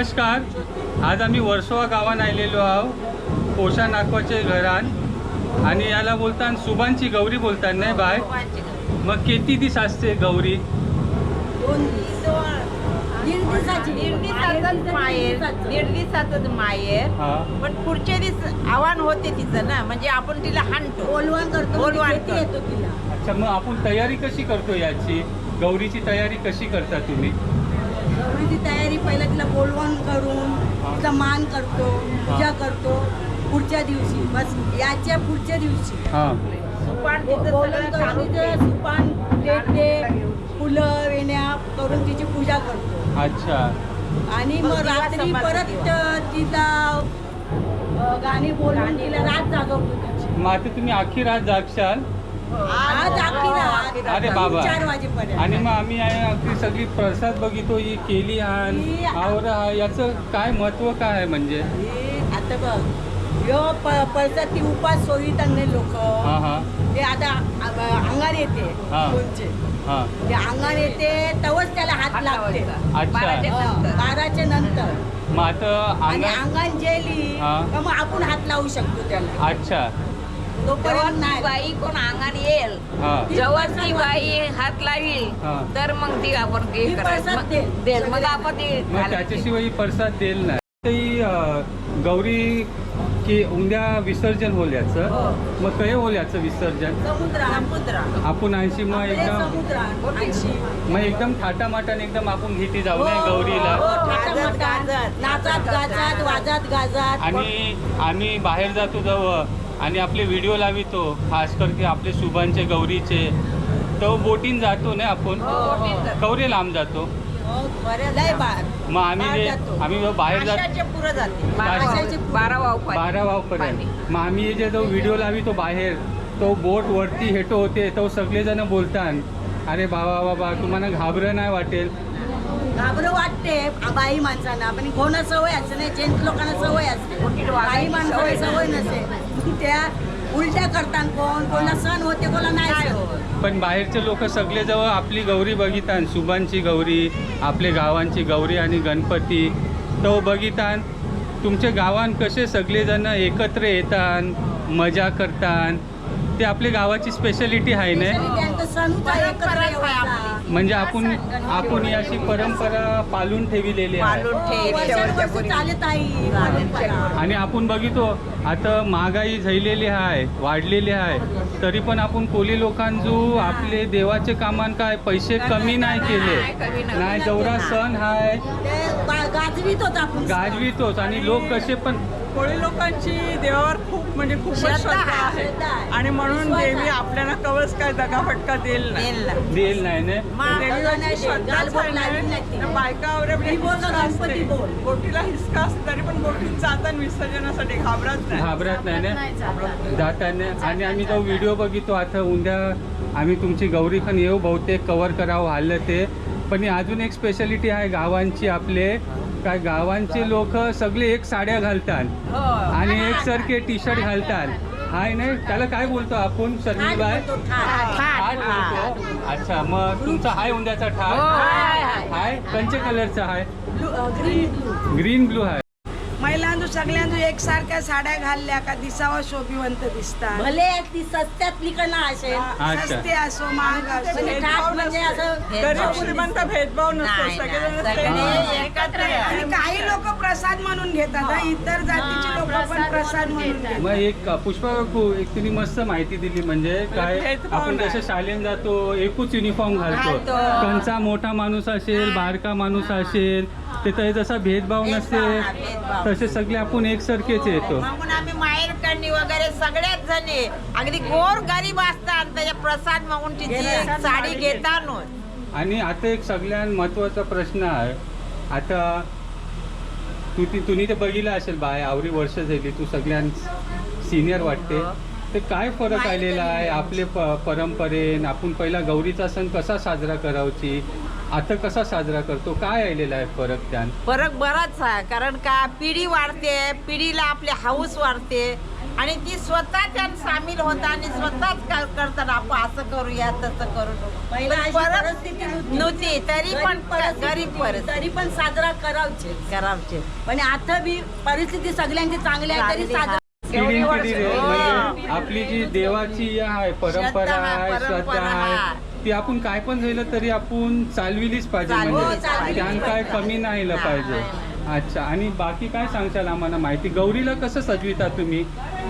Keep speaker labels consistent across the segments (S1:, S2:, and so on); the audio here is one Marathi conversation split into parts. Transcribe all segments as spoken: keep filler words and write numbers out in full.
S1: नमस्कार. आज आम्ही वर्सोवा गावात आलेलो आहो पोषा नागवाचे घरान आणि याला बोलतात सुबांची गौरी बोलतात नाही बाय. मग किती दिवस असते गौरी?
S2: दोन दीड दिवसाची
S3: दीड दिवसातच माहेर दीड दिवसातच माहेर. पण पुढच्या दिवस आव्हान होते तिचं ना, म्हणजे आपण तिला हाणतो,
S2: बोलवण करतो,
S3: बोलवण
S2: म्हणजे येतो तिला.
S1: अच्छा, मग आपण तयारी कशी करतो याची? गौरीची तयारी कशी करता तुम्ही?
S2: गौरीची तयारी पहिला तिला बोलवण करून तिचा मान करतो, पूजा करतो. पुढच्या दिवशी बस याच्या पुढच्या दिवशी
S1: हां
S3: सुपान तिचं
S2: बोलवण
S3: सगळं
S2: करून
S3: काढून
S2: तिचं सुपान देते, फुलं वेण्या करून तिची पूजा करतो.
S1: अच्छा.
S2: आणि
S3: मग
S2: मग
S3: दिवा
S2: रात्री
S3: समारंभ
S2: परत
S3: दिवा.
S2: तिला अ, गाणी बोलून तिला रात जागवतो तिची.
S1: मग आता तुम्ही अख्खी रात जागशाल?
S2: आज अख्खी रात
S1: अरे बाबा.
S2: चार वाजेपर्यंत.
S1: आणि मग आम्ही अख्खी सगळी प्रसाद बघितो ही केली हान
S2: ही-
S1: आवर हा, याचं काय महत्व काय आहे म्हणजे?
S2: हे आता बघ यो पळसात ती उपास सोयीतांनी लोक
S1: हां हां
S2: ते आता अ- अंगार येते
S1: हा.
S2: कोणचे
S1: हां.
S2: ते अंगार येते तेव्हाच त्याला हात
S3: हात
S2: लागते.
S3: लावायचा.
S1: अच्छा.
S3: बाराच्या
S2: हा,
S3: नंतर.
S2: बाराच्या नंतर.
S1: मग आता
S2: आणि
S1: अंगण.
S2: अंगण जेली
S1: हा.
S2: का मग आपण हात लावू शकतो त्याला.
S1: अच्छा.
S3: जेव्हा
S2: तोपर्यंत
S3: ती
S2: नाही.
S3: बाई कोण अंगण येईल,
S1: हां
S3: जेव्हा ती बाई हात लावील
S1: हा.
S3: तर मग ती आपण हे
S2: ती
S3: करायचं,
S2: प्रसाद
S3: मग
S2: देईल.
S3: देईल, मग आपण ते
S1: मग
S3: घालायचं.
S1: त्याच्याशिवाय ही प्रसाद देईल नाही. ही अं, गौरी की उद्या विसर्जन होईल याचं.
S3: हो.
S1: मग काय होईल याचं विसर्जन?
S2: समुद्रात
S3: समुद्र
S1: आपण ऐंशी मग
S2: आपले
S1: एकदम
S2: समुद्रात ऐंशी.
S1: मग एकदम थाटामाटाने एकदम आपण घेती जाऊ
S2: हो,
S1: नये गौरीला.
S2: हो,
S3: गाजत,
S2: थाटामाटात,
S3: गाजत.
S2: नाचत गाजत वाजत गाजत.
S1: आणि आम्ही बाहेर जातो जवळ आणि आपले व्हिडिओ लावितो, खास करके आपले सुभांचे गौरीचे. तो बोटीन जातो ना आपण,
S3: हो, बोटीन जातो.
S1: गौरी लांब जातो.
S3: बऱ्याच
S2: लय
S3: लांब.
S2: बार.
S1: मग आम्ही
S2: बाहेर
S1: जे
S2: जातो.
S1: आम्ही जेव्हा बाहेर जातो
S3: माशाच्या पुढं जाते.
S1: माशाच्या
S3: बारा
S2: पुढं.
S3: बारा वाव पाणी.
S1: बारा वावपर्यंत. मग आम्ही जे जो व्हिडिओ लावितो बाहेर, तो बोट वरती हेटो होते, तो सगळेजण बोलतात अरे बाबा बाबा तुम्हाला घाबरं नाही वाटेल?
S2: घाबरं वाटते बाई माणसांना, पण कोणा सवय असते नाही, जेंट्स लोकांना सवय असते.
S3: बोटीत
S2: बाई
S3: वागायची
S2: माणसाला
S3: सवय
S2: सवय नसते. त्या उलट्या करतात, कोण कोणाला सण होते कोणाला नाही
S3: नाही
S2: सण.
S3: होत.
S1: पण बाहेरचे लोक सगळे जवळ आपली गौरी बघितात, सुभांची गौरी, आपले गावांची गौरी आणि गणपती तो बघितात. तुमच्या गावान कसे सगळेजण एकत्र येतात, मजा करतात, ते आपल्या गावाची स्पेशालिटी आहे ना.
S2: त्यांचा सण होता एकत्र
S3: परंपराच आहे
S2: येवायचा.
S1: म्हणजे आपण आपण ही अशी परंपरा पालून ठेवलेली आहे.
S3: पालून ठेव,
S2: हो,
S3: शेवटच्या
S2: वर्षानुवर्षी
S3: पोरी.
S2: चालत आहे परंपरा.
S1: आणि आपण बघितो आता महागाई झालेली आहे, वाढलेली आहे, तरी पण आपण कोली लोकांजू आपले देवाचे कामान काय पैसे कमी नाही केले.
S3: नाही, कमी नाही.
S1: नाही, जेवढा सण आहे
S2: ते गा- गाजवीत होता आपण.
S1: गाजवितोच. आणि लोक कसे पण
S4: कोळी लोकांची देवावर खूप म्हणजे खूपच
S3: श्रद्धा
S4: श्रद्धा आहे.
S2: श्रद्धा आहे.
S4: आणि म्हणून
S2: विश्वास
S4: देवी
S2: आहे.
S4: आपल्याला कवच काय दगाफटका देईल नाही.
S3: देईल ना.
S1: देईल नाही ना.
S3: मग
S4: देवीवरची
S2: नाही देत.
S4: श्रद्धाच
S2: गालबोट
S4: आहे
S2: लागली
S4: ना.
S2: नाही ती.
S4: त्या बायकावर आपली
S2: ती बोल का
S4: हिसका
S2: गणपती
S4: असते.
S2: बोल.
S4: बोटीला हिसका असते तरी पण बोटीत जाताना विसर्जनासाठी घाबरत नाही.
S1: घाबरत नाही ना जाताना. आणि आम्ही जो व्हिडिओ बघितो आता उद्या आम्ही तुमची गौरी पण येऊ बहुतेक कवर करावं हल्लं ते. पण ही अजून एक स्पेशालिटी आहे गावांची आपले, काय गावांचे लोक सगळे एक साड्या घालतात
S3: हो.
S1: आणि एकसारखे टी शर्ट घालतात. हाय नाही त्याला काय बोलतो आपण शर्मी बाय?
S2: ठाट बोलतो, ठाट.
S1: ठाट बोलतो. अच्छा, मग तुमचा हाय उंद्याचा
S3: हो,
S1: ठाट
S3: हाय, हाय.
S1: हाय कंचे कलरचा आहे?
S2: Blue- uh, green blue.
S1: Green blue आहे.
S5: महिलांदू सगळ्यांदू एकसारख्या साड्या घालल्या का दिसावा शोभिवंत दिसतात.
S2: भले ती सस्त्यातलीकडनं असेल,
S1: अच्छा.
S5: सस्ते असो महाग असो.
S2: म्हणजे ठाट म्हणजे असं
S4: गरीब श्रीमंत भेदभाव नसतो.
S3: नाही,
S4: सगळेजण
S3: नाही.
S4: सेम
S1: हा.
S4: असतात.
S3: एकत्र
S5: आणि
S3: आहे.
S5: काही लोक प्रसाद म्हणून घेतात हा. इतर जातीची लोक पण प्रसाद म्हणून घेतात.
S1: मग एक पुष्पा काकू एक तिने मस्त माहिती दिली. म्हणजे काय
S4: भेदभाव
S1: आपण
S4: नाही.
S1: जसं शाळेत जातो एकूच युनिफॉर्म घालतो,
S3: घालतो.
S1: कंचा मोठा माणूस असेल बारका माणूस असेल ते जसा भेदभाव नसते
S3: भेदभाव, भेदभाव.
S1: तसे सगळे आपण एकसारखेच येतो.
S3: म्हणून आम्ही माहेर करणी वगैरे सगळ्याच जणी अगदी गोर गरीब असतात त्याच्या प्रसाद मागून तिची साडी घेतात.
S1: आणि आता एक सगळ्यात महत्त्वाचा प्रश्न आहे. आता तू ती तुम्ही ते बघितलं असेल बाय आवरी वर्ष झाली, तू सगळ्यां सिनियर वाटते. ते काय फरक आलेला आहे आपले प परंपरेन? आपण पहिला गौरीचा सण कसा साजरा करावची, आता कसा साजरा करतो, काय आलेला आहे फरक त्यान?
S3: फरक बराच आहे. कारण का पिढी वाढते, पिढीला आपली हाऊस वाढते. आणि ती स्वतः त्यात सामील होता आणि स्वतःच कर- करतात आपण असं करूया तसं करू
S2: पहिला अशी
S3: परत
S2: परिस्थिती नव्हती.
S3: नव्हती तरी पण
S2: गरीब परिस्थिती
S3: गरीब
S2: होती,
S3: परिस्थिती
S2: तरी पण साजरा करावचे
S3: करावचे
S2: पण आता बी परिस्थिती सगळ्यांची चांगली आहे तरी
S3: चांगली,
S2: साजरा
S1: पिढी पिढी रे-
S3: हो.
S1: म्हणजे आपली जी देवाची आहे परंपरा
S3: श्रद्धा,
S1: आहे श्रद्धा
S3: परंपरा,
S1: आहे
S3: हा.
S1: ती आपण काय पण झालं तरी आपण चालविलीच पाहिजे
S3: चालविलीच
S1: म्हणजे
S3: पाहिजे.
S1: त्यानं काय कमी नाही आलं
S3: नाही,
S1: पाहिजे
S3: नाही,
S1: अच्छा आणि बाकी काय सांगशाल आम्हाला माहिती गौरीला कसं सजविता तुम्ही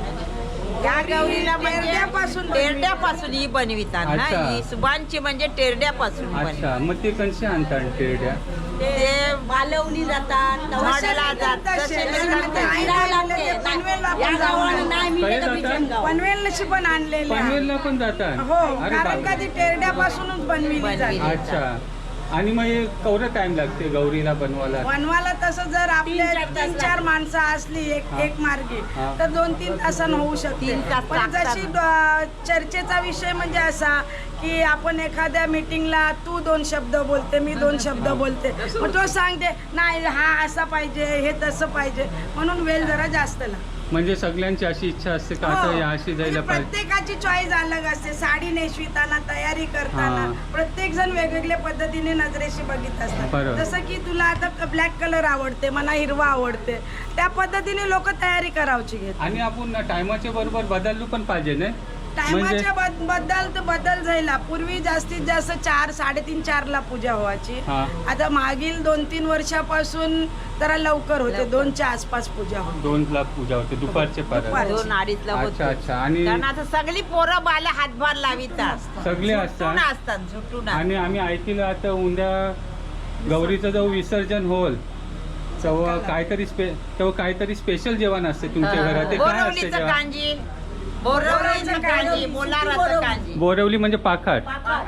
S3: या गौरीला म्हणजे
S5: टेरड्यापासून
S3: टेरड्यापासून ही बनवितात ना
S1: अच्छा.
S3: ही सुबांची म्हणजे टेरड्यापासून बनवितात.
S1: अच्छा मग ते कसे आणतात टेरड्या
S3: ते
S2: मालवणी जातात
S3: झाडाला जातात
S5: तसे
S3: तसे
S5: लग्नात
S3: लग्नात
S5: आई
S2: फिरावं
S5: लागले
S2: लागते.
S5: ते पनवेलला
S2: या
S5: पण जाऊन
S2: गावाला नाही मी
S1: काय
S2: तर
S1: जातात?
S2: बिचनगाव.
S5: पनवेलशी पण आणलेले आहे.
S1: पनवेलला पण जातात
S5: हो
S1: अरे
S5: कारण का
S1: बापरे.
S5: ती टेरड्यापासूनच बनविली
S3: बनविली.
S5: जाते
S1: अच्छा आणि मग हे केवढं टाइम लागते गौरीला बनवायला
S5: बनवायला तसं जर आपले
S2: तीन चार तास
S5: तीन चार माणसं असली एक
S1: हा.
S5: एक मार्गी
S1: हा.
S5: तर दोन तीन तासानं होऊ शकते
S3: तीन तास
S5: पण
S3: लागतात.
S5: जशी द- चर्चेचा विषय म्हणजे असा की आपण एखाद्या मीटिंगला तू दोन शब्द बोलते मी दोन शब्द बोलते मग तो सांगते नाही हा असा पाहिजे हे तसं पाहिजे म्हणून वेळ जरा जास्त लागतो
S1: म्हणजे सगळ्यांची अशी इच्छा असते का आता
S5: हो.
S1: या अशी
S5: म्हणजे
S1: जायला पाहिजे
S5: प्रत्येकाची चॉईस अलग असते साडी नेसविताना तयारी करताना
S1: हा.
S5: प्रत्येक जण वेगवेगळ्या पद्धतीने नजरेशी बघित असतात
S1: बरोबर.
S5: जसं की तुला आता ब्लॅक कलर आवडते मला हिरवा आवडते त्या पद्धतीने लोक तयारी करावची घेतात
S1: आणि आपण टायमाच्या बरोबर बदललो पण पाहिजे ना म्हणजे
S5: टायमाच्या बद- बद्दल तर बदल झाला पूर्वी जास्तीत जास्त चार साडेतीन चार ला पूजा व्हायची
S1: हा.
S5: आता मागील दोन तीन वर्षापासून जरा लवकर होते दोनच्या आसपास पूजा होते
S1: दोन ला पूजा होते दुपारचे परत
S5: दुपार.
S3: दोन अडीचला
S1: अच्छा
S3: होतो
S1: अच्छा आणि
S3: कारण आता सगळी पोरं बाला हातभार लावितात
S1: सगळे
S3: झुटून
S1: असतात
S3: असतात झुटून
S1: आणि आम्ही ऐकलं आता उद्या गौरीचं जो विसर्जन होईल तेव्हा काहीतरी स्पे तेव्हा काहीतरी स्पेशल जेवण असते तुमच्या घरात ते काय असते
S3: बोरवलीचं
S1: जेवण
S3: कांजी बोरवलीचं कांजी बोलाराचं कांजी
S1: बोरवली म्हणजे पाखाट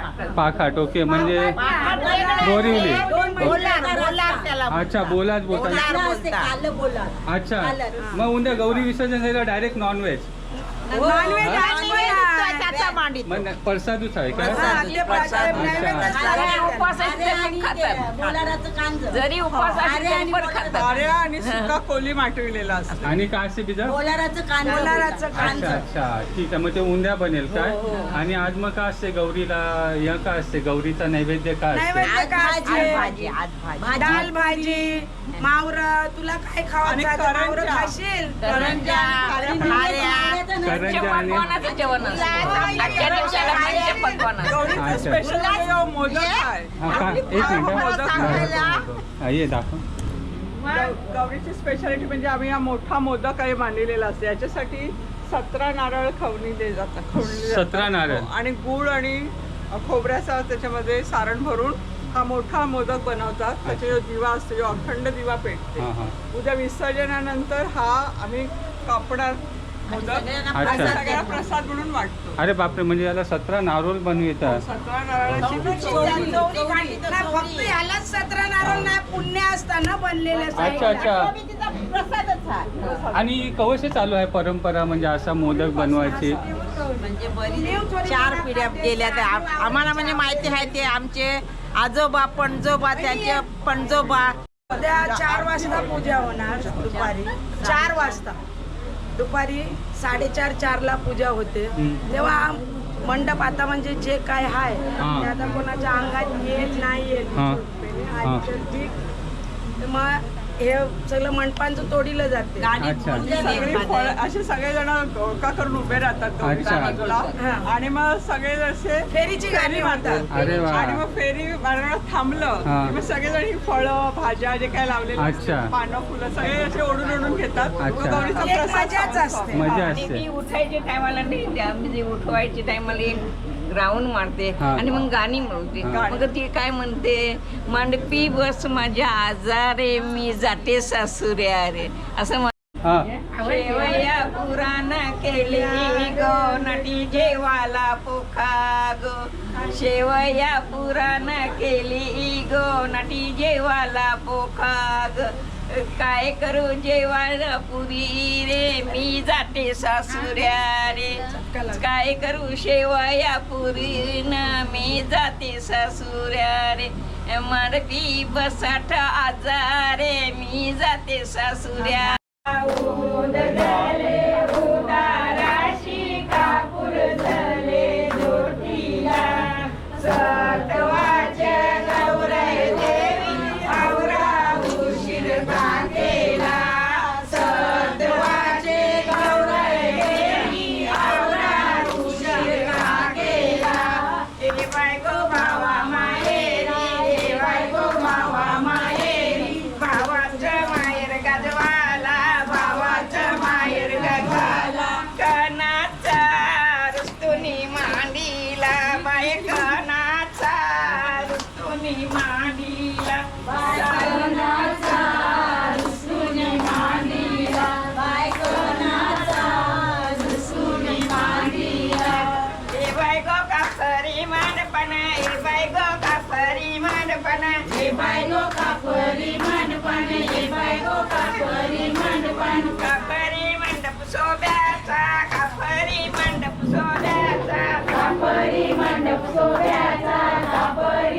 S1: पाखाट ओके म्हणजे
S3: पाखाट वेगळं
S1: बोरिवली.
S3: आहे. बोलार बोलार त्याला
S1: अच्छा बोलाच बोलतात
S3: बोलार
S2: कालं असते,
S3: बोलतात.
S2: कालं बोला
S1: अच्छा
S2: कालं.
S1: मग उद्या गौरी विसर्जन झालं डायरेक्ट नॉनव्हेज
S5: नॉनव्हेज
S1: हा?
S5: आणि
S3: आणि त्याचा मांडीत
S1: मग प्रसादच आहे का
S5: हा, ते प्रसाद
S1: अच्छा.
S5: नैवेद्यच
S2: अरे,
S5: लागतात.
S2: उपवास असते पण खातात. बोलाराचं कांजं.
S6: जरी उपवास
S2: अरे
S6: असले
S2: आणि
S6: तरी पण
S2: बोलाराचं-
S6: खातात.
S4: कार्या आणि सुका कोली माटविलेला असतो
S1: आणि काय असते बिजा
S2: बोलाराचं कांजं
S5: बोलाराचं
S2: बोलतात.
S1: अच्छा
S2: कांजं.
S1: अच्छा ठीक आहे मग ते उंद्या बनेल काय आणि आज मग काय असते गौरीला या काय असते गौरीचा नैवेद्य काय असते
S5: नैवेद्य
S3: आज
S5: काय
S3: भाजी
S5: असते?
S3: आज भाजी आज भाजी
S2: भाजी.
S5: डाल भाजी मावर तुला काय
S4: आणि
S5: खावायचं आहे? मावर
S4: करंज्या.
S5: खाशील
S3: करंज्या खाऱ्या
S1: करंज्या आणि
S6: पकवानाचं जेवण असतं आजच्या दिवसाला म्हणजे पकवान असतं.
S4: गौरीचं
S1: अच्छा.
S4: स्पेशल मोदक आहे
S1: हा का एक मिनिट
S3: मोदक
S1: हा.
S3: सांगायला.
S1: हा, ये दाखव
S4: गौ- गौरीची स्पेशालिटी म्हणजे आम्ही हा मोठा मोदक आहे मांडलेला असतो याच्यासाठी सतरा नारळ खवणीले जातात खवणीले जातात.
S1: सतरा नारळ.
S4: हो, आणि गुळ आणि खोबऱ्याचा त्याच्यामध्ये सारण भरून हा मोठा मोदक बनवतात त्याचे जो दिवा असतो जो अखंड दिवा पेटते
S1: हा, हा.
S4: उद्या विसर्जनानंतर हा आम्ही कापणार मोदक
S3: सगळ्यांना
S1: अच्छा.
S4: आणि
S3: प्रसाद
S4: सगळ्या
S3: देतो.
S4: प्रसाद म्हणून वाटतो
S1: अरे बापरे म्हणजे याला सतरा नारोल बनवितात
S4: सतरा नारळाची
S3: चौरी
S4: चोरी.
S3: चौरी काढली तर
S5: नाही, फक्त
S3: चौरी.
S5: यालाच सतरा नारळ नाही पुण्य असताना बनलेले
S1: अच्छा अच्छा
S3: तो बी तिचा प्रसादच आहे
S1: आणि कवशे चालू आहे परंपरा म्हणजे असा मोदक बनवायची
S3: म्हणजे बरी चार पिढ्या गेल्या त्या आम- आम्हाला म्हणजे माहिती आहे ते आमचे आजोबा पणजोबा त्यांचे पणजोबा
S5: उद्या चार वाजता पूजा होणार दुपारी चार वाजता दुपारी साडेचार चारला पूजा होते
S1: हम्म.
S5: तेव्हा मंडप आता म्हणजे जे काय आहे
S1: हा.
S5: ते आता कोणाच्या अंगात येत नाही येत
S1: हा. हा.
S5: ठीक मग हे सगळं मंडपांचं तोडीलं जाते
S3: गाणी
S1: अच्छा.
S3: बोलली
S4: सगळी
S3: मध्ये.
S4: फळं असे सगळेजण गोळका करून उभे राहतात गौरीच्या
S1: अच्छा.
S4: बाजूला
S5: हा.
S4: आणि मग सगळे असे
S5: फेरीची गाणी
S4: फेरी
S5: म्हणतात.
S4: मारतात.
S1: अरे वा.
S4: आणि मग फेरी मारण्यात थांबलं
S1: हा.
S4: की मग सगळेजण ही फळं भाज्या जे काय लावलेले
S1: अच्छा.
S4: असतात, पानं फुलं सगळे असे ओढून ओढून घेतात मग
S1: अच्छा.
S4: गौरीचा
S5: एक
S4: प्रसाद
S5: मजाच
S4: खाऊन
S5: असते.
S1: मजा
S6: आणि
S1: असते
S6: ती उठायच्या टायमाला नाही त्या म्हणजे उठवायच्या टायमाला एक ग्राउंड मारते
S1: हा.
S6: आणि मग गाणी म्हणते
S1: हा.
S6: मग ती काय म्हणते मांडपी बस माझ्या आजारे मी जाते सासुऱ्या रे असं म्हण-
S1: हा
S6: शेवया पुराण केली गो नटी जेवाला पोखा गो शेवया पुराण केली गो नटी जेवाला पोखा ग काय करू जेवायला पुरी रे मी जाते सासुऱ्या रे काय करू शेवया पुरी न मी जाते सासुऱ्या रे मारपी बसाठ आजारे मी जाते सासुऱ्या उद झाले उदा
S3: मंडपन ये बायगो कापरी मंडपन ये बायगो कापरी मंडपन कापरी मंडप शोभ्याचा कापरी मंडप शोभ्याचा कापरी मंडप शोभ्याचा कापरी